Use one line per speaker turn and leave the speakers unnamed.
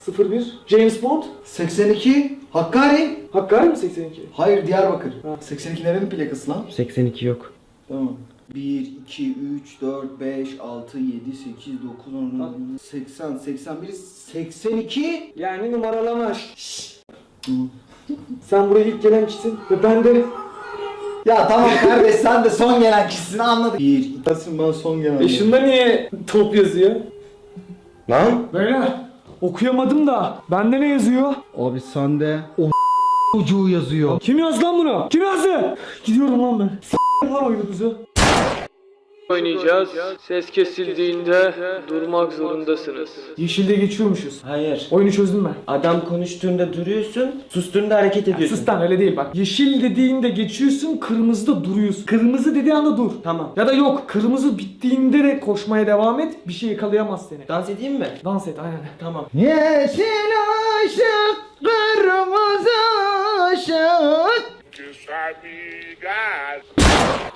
01 James Bond.
82 Hakkari.
Hakkari mi 82?
Hayır, Diyarbakır.
Ha.
82 nerenin plakası lan?
82 yok.
Tamam. 1, 2, 3, 4, 5, 6, 7, 8, 9, 10, 80, 81, 82.
Yani numaralama. Sen buraya ilk gelen kişisin ve ben de...
Ya tamam kardeş, sen de son gelen kişisin, anladık. 1, 2, ben son gelen.
Şunda niye top yazıyor?
Lan?
Beyler okuyamadım da. Bende ne yazıyor?
Abi sende o çocuğu yazıyor.
Kim yazdı lan bunu? Kim yazdı? Gidiyorum lan ben. S***im lan oyunumuzu.
Oynayacağız. Ses kesildiğinde durmak zorundasınız.
Yeşilde geçiyormuşuz.
Hayır.
Oyunu çözdüm ben.
Adam konuştuğunda duruyorsun, sustuğunda hareket ediyorsun.
Sus lan, öyle değil bak. Yeşil dediğinde geçiyorsun, kırmızıda duruyorsun. Kırmızı dediği anda dur.
Tamam.
Ya da yok, kırmızı bittiğinde de koşmaya devam et. Bir şey yakalayamaz seni.
Dans edeyim mi?
Dans et aynen.
Tamam.
Yeşil ışık, kırmızı ışık.
Just like me, guys.